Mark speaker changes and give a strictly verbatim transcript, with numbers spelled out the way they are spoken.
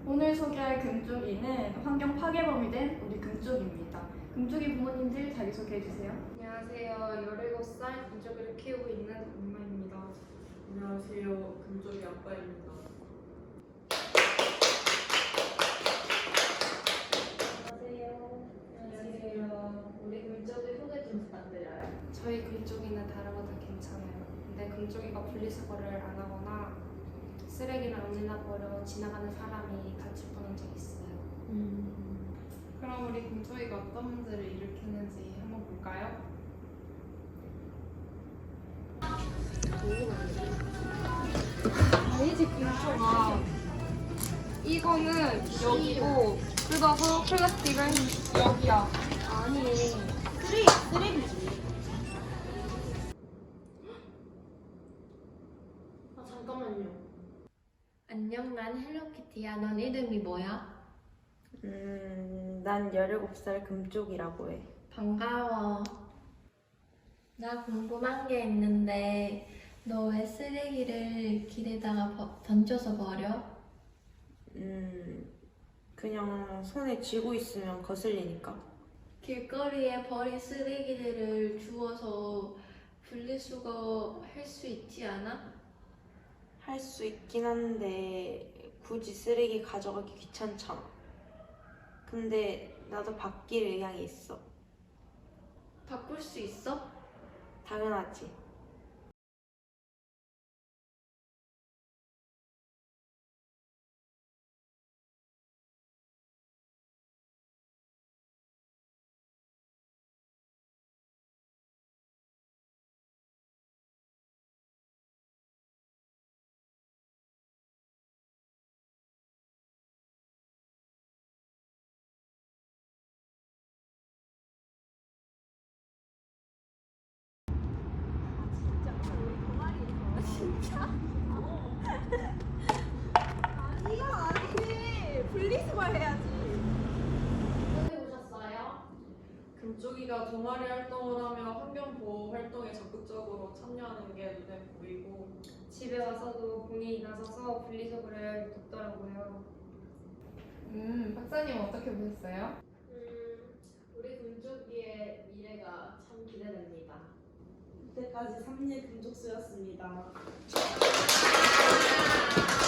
Speaker 1: 오늘 소개할 금쪽이는 환경 파괴범이 된 우리 금쪽입니다. 금쪽이 부모님들 자기소개해주세요.
Speaker 2: 안녕하세요. 열일곱 살 금쪽이를 키우고 있는 엄마입니다.
Speaker 3: 안녕하세요. 금쪽이 아빠입니다.
Speaker 4: 안녕하세요. 안녕하세요. 우리 금쪽이 소개 좀 부탁드려요.
Speaker 2: 저희 금쪽이는 다르고도 괜찮아요. 근데 금쪽이가 분리수거를 안 하거나 쓰레기를 언제나 버려 지나가는 사람이 다칠 뻔한 적이 있어요.
Speaker 3: 음. 그럼 우리 금쪽이가 어떤 문제를 일으키는지 한번 볼까요?
Speaker 2: 아니지 금쪽아. 이거는 여기고 뜯어서 플라스틱을 여기야.
Speaker 4: 아니, 쓰레기, 쓰레기지. 아, 잠깐만요.
Speaker 5: 안녕, 난 헬로키티야. 넌 이름이 뭐야?
Speaker 6: 음, 난 열일곱 살 금쪽이라고 해.
Speaker 5: 반가워. 나 궁금한 게 있는데, 너 왜 쓰레기를 길에다가 버- 던져서 버려?
Speaker 6: 음, 그냥 손에 쥐고 있으면 거슬리니까.
Speaker 5: 길거리에 버린 쓰레기들을 주워서 분리수거 할 수 있지 않아?
Speaker 6: 할 수 있긴 한데 굳이 쓰레기 가져가기 귀찮잖아. 근데 나도 바뀔 의향이 있어.
Speaker 5: 바꿀 수 있어?
Speaker 6: 당연하지.
Speaker 4: 어디 오셨어요?
Speaker 3: 금쪽이가 동아리 활동을 하며 환경보호 활동에 적극적으로 참여하는 게 눈에 보이고
Speaker 2: 집에 와서도 본인이 나서서 분리수거를 돕더라고요.
Speaker 3: 음, 박사님 어떻게 보셨어요?
Speaker 4: 음, 우리 금쪽이의 미래가 참 기대됩니다.
Speaker 7: 이때까지 삼 일 금족수였습니다.